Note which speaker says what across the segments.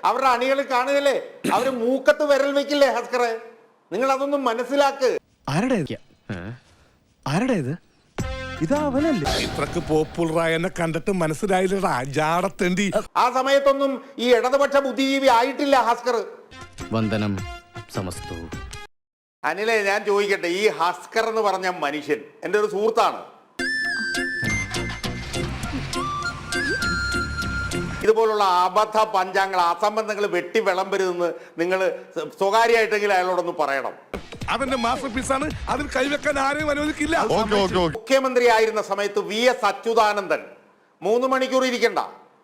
Speaker 1: അവരുടെ അണികൾ കാണുകയല്ലേ, അവര് മൂക്കത്ത് വിരൽ വെക്കില്ലേ ഹസ്കറെ? നിങ്ങൾ അതൊന്നും മനസ്സിലാക്ക്.
Speaker 2: ഇത്രക്ക് പോപ്പുലറായ എന്നെ കണ്ടിട്ട് മനസ്സിലായില്ലടാ ജാടത്തേണ്ടി.
Speaker 1: ആ സമയത്തൊന്നും ഈ ഇടതുപക്ഷ ബുദ്ധിജീവി ആയിട്ടില്ല ഹസ്കർ.
Speaker 3: വന്ദനം സമസ്തു.
Speaker 1: അനിലെ, ഞാൻ ചോദിക്കട്ടെ, ഈ ഹസ്കർ എന്ന് പറഞ്ഞ മനുഷ്യൻ എൻ്റെ ഒരു സുഹൃത്താണ്. ഇതുപോലുള്ള അബദ്ധ പഞ്ചാംഗങ്ങൾ, അസംബന്ധങ്ങൾ വെട്ടി വിളമ്പരുതെന്ന് നിങ്ങൾ സ്വകാര്യമായിട്ടെങ്കിലും അയാളോടൊന്ന് പറയണം.
Speaker 2: അതെന്റെ മാസ്റ്റർ പീസാണ്, അതിൽ കൈവെക്കാൻ ആരെയും അനുവദിക്കില്ല.
Speaker 1: മുഖ്യമന്ത്രി ആയിരുന്ന സമയത്ത് VS അച്യുതാനന്ദൻ 3 മണിക്കൂർ ഇരിക്കണ്ട.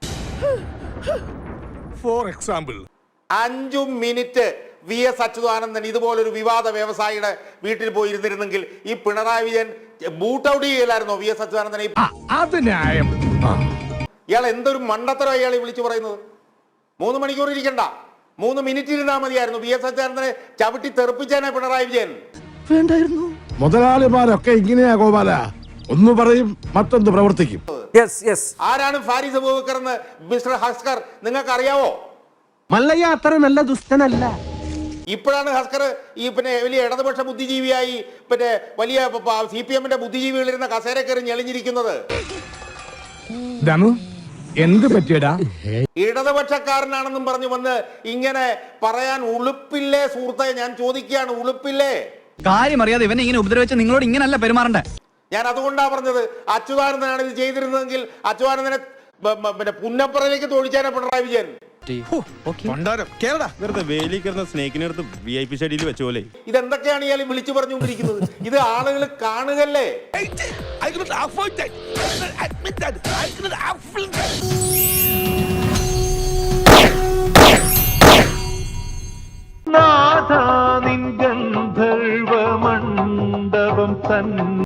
Speaker 2: For example
Speaker 1: 5 minute VS Achuthanandan ഇതുപോലൊരു വിവാദ വ്യവസായിയുടെ വീട്ടിൽ പോയി ഇരുന്നിരുന്നെങ്കിൽ ഈ പിണറായി വിജയൻ ബൂട്ട് ഔട്ട് ചെയ്യലായിരുന്നോ VS അച്യുതാനന്ദനെ? ഇയാൾ എന്തൊരു മണ്ടത്തരം ഇയാൾ വിളിച്ചു പറയുന്നത്. 3 മണിക്കൂർ ഇരിക്കണ്ട, 3 മിനിറ്റ് ഇരുന്നാൽ മതിയായിരുന്നു. VS അച്യുതാനന്ദനെ ചവിട്ടി തെറിപ്പിച്ചേനെ പിണറായി വിജയൻ.
Speaker 4: മുതലാളിമാരൊക്കെ ഇങ്ങനെയാ ഗോപാല, ഒന്ന് പറയും മറ്റൊന്ന് പ്രവർത്തിക്കും.
Speaker 1: ആരാണ് ഫാരിസ് അബൂബക്കർ എന്ന് മിസ്റ്റർ ഹസ്കർ നിങ്ങൾക്ക് അറിയാവോ?
Speaker 5: മല്ലയ്യ അത്ര നല്ല ദുഷ്ടനല്ല.
Speaker 1: ഇപ്പോഴാണ് ഹസ്കർ ഈ വലിയ ഇടതുപക്ഷ ബുദ്ധിജീവിയായി വലിയ CPM-ന്റെ ബുദ്ധിജീവികളിരുന്ന കസേര കയറി ഞെളിഞ്ഞിരിക്കുന്നത്.
Speaker 4: എന്ത് പറ്റിയടാ?
Speaker 1: ഇടതുപക്ഷക്കാരനാണെന്നും പറഞ്ഞു വന്ന് ഇങ്ങനെ പറയാൻ ഉളുപ്പില്ലേ സുഹൃത്തെ? ഞാൻ ചോദിക്കുകയാണ്, ഉളുപ്പില്ലേ?
Speaker 3: കാര്യം അറിയാതെ ഇവനെ ഇങ്ങനെ ഉപദ്രവിച്ച നിങ്ങളോട് ഇങ്ങനല്ല പെരുമാറണ്ടേ. ഞാൻ
Speaker 1: അതുകൊണ്ടാ പറഞ്ഞത്, അച്യുതാനന്ദനാണ് ഇത് ചെയ്തിരുന്നതെങ്കിൽ അച്യുതാനന്ദനെ പുന്നപ്പുറയിലേക്ക് തൊഴിച്ചാനെ പിണറായി വിജയൻ.
Speaker 6: വെറുതെ വേലി കിടന്ന സ്നേഹിനെടുത്ത് VIP ഷെഡിയിൽ വെച്ച പോലെ.
Speaker 1: ഇതെന്തൊക്കെയാണ് ഇയാൾ വിളിച്ചു പറഞ്ഞുകൊണ്ടിരിക്കുന്നത്? ഇത് ആളുകൾ കാണുകല്ലേ.
Speaker 7: നാഥാ നിൻ ഗന്ധർവ മണ്ഡപം തൻ